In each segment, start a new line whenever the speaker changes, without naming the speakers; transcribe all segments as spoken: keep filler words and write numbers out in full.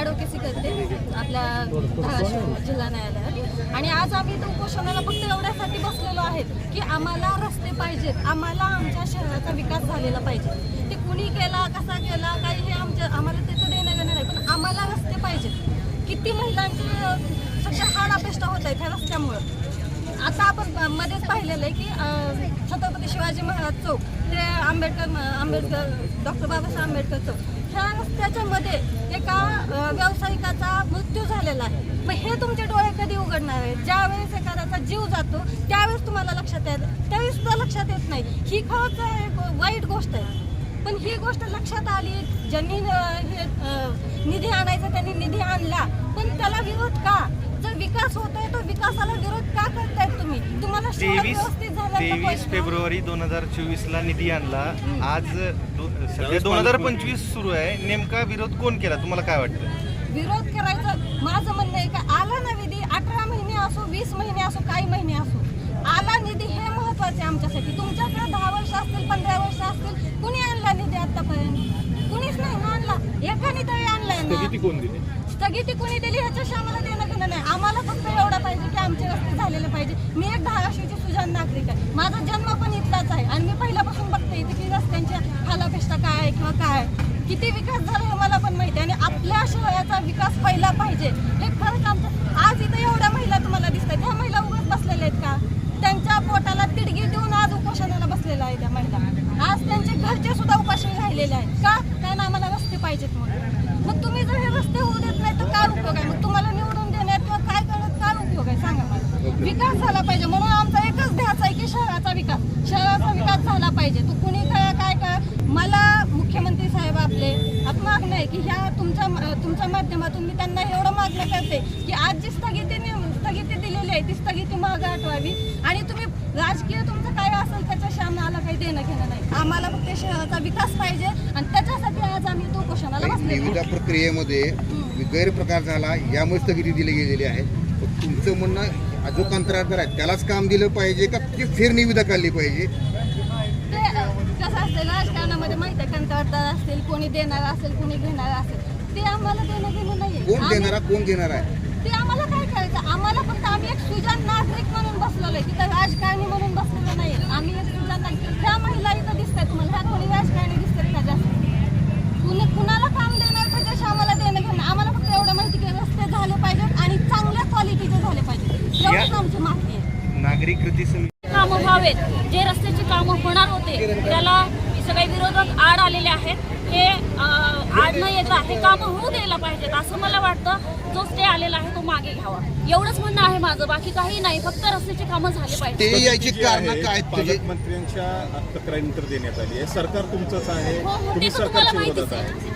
ॲडव्होकेसी करते आपल्या धाराशिव जिल्हा न्यायालयात. आणि आज आम्ही तो उपोषणाला फक्त एवढ्यासाठी बसलेलो आहेत की आम्हाला रस्ते पाहिजेत, आम्हाला आमच्या शहराचा विकास झालेला पाहिजे. ते कुणी केला, कसा केला, काही हे आमच्या आम्हाला त्याचं देणं घेणं नाही, पण आम्हाला रस्ते पाहिजेत. किती महिलांची सध्या हाड अपेष्टा होत आहेत ह्या रस्त्यामुळं. आता आपण मध्येच पाहिलेलं आहे की छत्रपती शिवाजी महाराज चौक ते आंबेडकर आंबेडकर डॉक्टर बाबासाहेब आंबेडकर चौक ह्या रस्त्याच्या मध्ये एका व्यावसायिकाचा मृत्यू झालेला आहे. मग हे तुमचे डोळे कधी उघडणार आहेत? ज्यावेळेस एखाद्याचा जीव जातो त्यावेळेस तुम्हाला लक्षात येत, त्यावेळेस सुद्धा लक्षात येत नाही. ही खरंच एक वाईट गोष्ट आहे. पण ही गोष्ट लक्षात आली, ज्यांनी हे निधी आणायचा त्यांनी निधी आणला, पण त्याला विरोध का? जर विकास होतोय तो विकासाला विरोध का करतायत तुम्ही? तुम्हाला
तेवीस फेब्रुवारी दोन हजार चोवीस ला निधी आणला, आज सध्या दोन हजार पंचवीस सुरू आहे. नेमका विरोध कोण केला तुम्हाला काय वाटतं?
विरोध करायचं माझं म्हणणं आहे का आला ना निधी, अठरा महिने असो, वीस महिने असो, काही महिने असो, आला निधी हे महत्वाचे आमच्यासाठी. तुमच्याकडे दहा वर्ष असतील, पंधरा वर्ष असतील, कुणी आणला निधी आतापर्यंत? कुणीच नाही ना आणला. एकाने तरी आणलाय ना.
स्थगिती कोण दिली?
स्थगिती कुणी दिली ह्याच्याशी आम्हाला देणं घेणं नाही. आम्हाला फक्त एवढं पाहिजे की आमचे रस्ते झालेले पाहिजे. मी एक धाराशिवची सुजाण नागरिक आहे, माझा जन्म पण इथलाच आहे आणि मी पहिल्यापासून बघते इथे की रस्त्यांच्या हालापेष्टा काय आहे किंवा काय किती विकास झाला हे मला पण माहिती आहे. आणि आपल्या शहराचा विकास पहिला पाहिजे हे खरंच आमचं. आज इथं एवढ्या महिला तुम्हाला दिसतात, ह्या महिला उगाच बसलेल्या आहेत का? त्यांच्या पोटाला तिडगी देऊन आज उपोषणाला बसलेल्या आहेत त्या महिला. आज त्यांचे घरचे सुद्धा उपाशी राहिलेले आहेत का? कारण आम्हाला रस्ते पाहिजेत म्हणून. मग तुम्ही जर हे रस्ते होऊ देत नाही तर काय उपयोग आहे? मग तुम्हाला निवडून देण्यात किंवा काय करत काय उपयोग आहे सांगा मला. विकास झाला पाहिजे म्हणून आमचा एकच ध्यास आहे की शहराचा विकास, शहराचा विकास झाला पाहिजे. तो कुणी काय काय काय मला मुख्यमंत्री साहेब आपले आपण मागणं आहे की ह्या तुमच्या तुमच्या माध्यमातून मी त्यांना एवढं मागणं करते की आज जी स्थगिती स्थगिती दिलेली आहे ती स्थगिती मागे हटवावी. आणि तुम्ही राजकीय तुमचं काय असेल त्याच्याशी आम्हाला काही देणं घेणं नाही. आम्हाला फक्त शहराचा विकास पाहिजे आणि त्याच्यासाठी आज आम्ही तो उपोषणाला बसले.
निविदा प्रक्रियेमध्ये गैरप्रकार झाला यामुळे स्थगिती दिली गेलेली आहे. तुमचं म्हणणं जो कंत्राटदार आहे त्यालाच काम दिलं पाहिजे का ती फेर निविदा काढली पाहिजे?
ते कसं असतं राजकारणामध्ये माहिती आहे, कंत्राटदार असतील, कोणी देणार असेल, कोणी घेणार असेल, ते आम्हाला देणं घेणं नाही.
कोण देणारा कोण घेणार आहे
ते आम्हाला काय करायचं? आम्हाला फक्त आम्ही एक सुजाण नागरिक म्हणून बसलेलो आहे, तिथं राजकारणी म्हणून बसलेलो नाही. आम्ही एक सुजाण नागरिक. ह्या महिला इथं दिसतात तुम्हाला, ह्या कोणी राजकारणी दिसतात का जास्त? कुणी कुणाला काम देणार त्याच्याशी आम्हाला देणं घेणं. आम्हाला फक्त एवढं माहिती की रस्ते झाले पाहिजेत आणि चांगल्या क्वालिटीचे झाले पाहिजेत, एवढीच आमची मागणी आहे.
नागरिक कृती समिती
कामं व्हावेत, जे रस्त्याची कामं होणार होते त्याला सगळे विरोधक आड आलेले आहेत. हे आड न येता हे कामं होऊ द्यायला पाहिजेत असं मला वाटतं. जो स्टे आलेला आहे तो मागे घ्यावा, एवढंच म्हणणं आहे माझं. बाकी काही नाही, फक्त रस्त्याची कामं झाली पाहिजे.
ते याची कारण काय?
पालकमंत्र्यांच्या तक्रारीनंतर देण्यात आली आहे. सरकार तुमचंच आहे,
हो हो
तुम्ही
ते तर तुम्हाला
सरकारच्या
माहितीच
विरोधात
आहे.
आहे.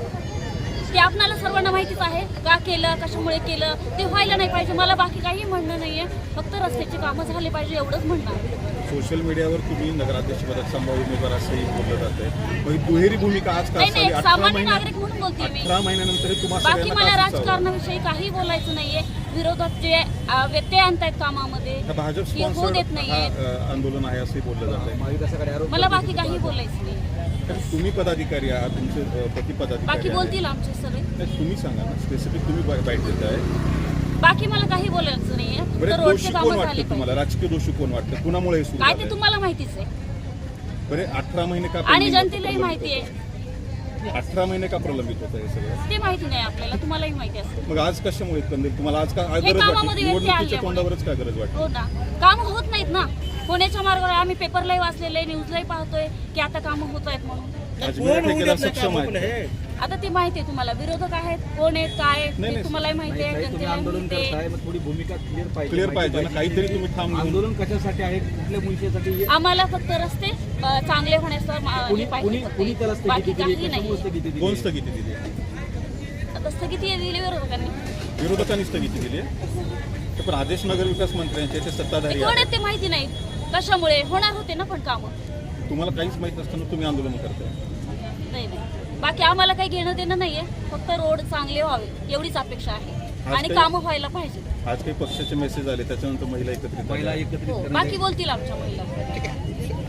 ते आपल्याला सर्वांना माहितीच आहे का केलं, कशामुळे केलं, ते व्हायला नाही पाहिजे. मला बाकी काही म्हणणं नाहीये, फक्त रस्त्याची कामं झाली पाहिजे एवढंच म्हणणं आहे.
सोशल मीडियावर तुम्ही नगराध्यक्षपदात संभाव्य उमेदवार असंही बोललं जात आहे. मग दुहेरी भूमिका आज का
नाही नाही,
असावी?
सामान्य नागरिक म्हणून बोलते मी.
अठरा महिन्यानंतर तुम्हाला
बाकी मला राजकारणाविषयी काही बोलायचं नाहीये. विरोधात जे व्यत्यय आणतायत कामामध्ये
भाजप
ते होऊ देत नाहीये.
आंदोलन आहे असंही बोललं जात आहे.
मला बाकी काही बोलायचं नाही.
तुम्ही पदाधिकारी आहात, तुमचे पती पदाधिकारी
बाकी बोलतील आमचे सगळे.
नाही, तुम्ही सांगा ना, स्पेसिफिक तुम्ही बाईट देताय.
बाकी मला काही बोलायचं नाहीये.
बरं,
तर रोडचे
दोषी
कामं
कोण
झाले
वाटतं तुम्हाला?
पाहिजे.
राजकीय दोषी कोण वाटतं? कुणामुळे हे सुरू
काय
झालंय?
ते तुम्हाला माहितीच आहे
बरे अठरा महिने का
आणि
प्रलंबित
जनतेलाही
होतं?
माहिती आहे.
अठरा महिने का प्रलंबित होतं हे सगळं?
ते माहिती नाही आपल्याला, तुम्हालाही माहिती असेल.
मग आज कशामुळे कंदील तुम्हाला आज का गरज वाटते?
कामामध्ये व्यत्यय
निवडणुकीच्या
आल्यामुळे.
तोंडावरच काय गरज वाटते?
हो ना, काम होत नाहीत ना. होण्याच्या मार्गावर आम्ही पेपरलाही वाचलेलं आहे, न्यूजलाही पाहतोय की आता कामं होत आहेत म्हणून.
अजमेर ठेकेदार सक्षम आहे.
आता ते माहिती आहे तुम्हाला, विरोधक आहेत, कोण आहेत, काय आहेत,
नाही,
ते
नाही.
तुम्हालाही माहिती आहे, जनतेलाही माहिती आहे.
थोडी भूमिका क्लिअर पाहिजे.
क्लिअर पाहिजे ना, काहीतरी तुम्ही थांब घेऊन-
आंदोलन कशासाठी आहे, कुठल्या भूमिकेसाठी?
आम्हाला फक्त रस्ते अ, चांगले होण्याचं मा- हे
कुणी
पाहिजे
कुणी
फक्त.
कुणी त्याला स्थगिती
बाकी
दिली?
काही
कशामुळे
नाही.
स्थगिती दिली?
कोण स्थगिती दिली?
आता स्थगिती दिली विरोधकांनी.
विरोधकांनी स्थगिती दिली आहे. पण आदेश नगर विकास मंत्र्यांचे ते सत्ताधारी
कोण
आहेत.
आहेत ते माहिती नाही. कशामुळे होणार होते ना पण कामं.
तुम्हाला काहीच माहित नसताना तुम्ही आंदोलन करताय.
नाही नाही, बाकी आम्हाला काही घेणं देणं नाहीये. फक्त रोड चांगले व्हावे एवढीच अपेक्षा आहे आणि
काही-
कामं व्हायला पाहिजे.
आज काही पक्षाचे मेसेज आले त्याच्यानंतर महिला एकत्रित
महिला
झाल्या.
एकत्रित
हो,
करणे-
बाकी बोलतील आमच्या महिला.
ठीक आहे.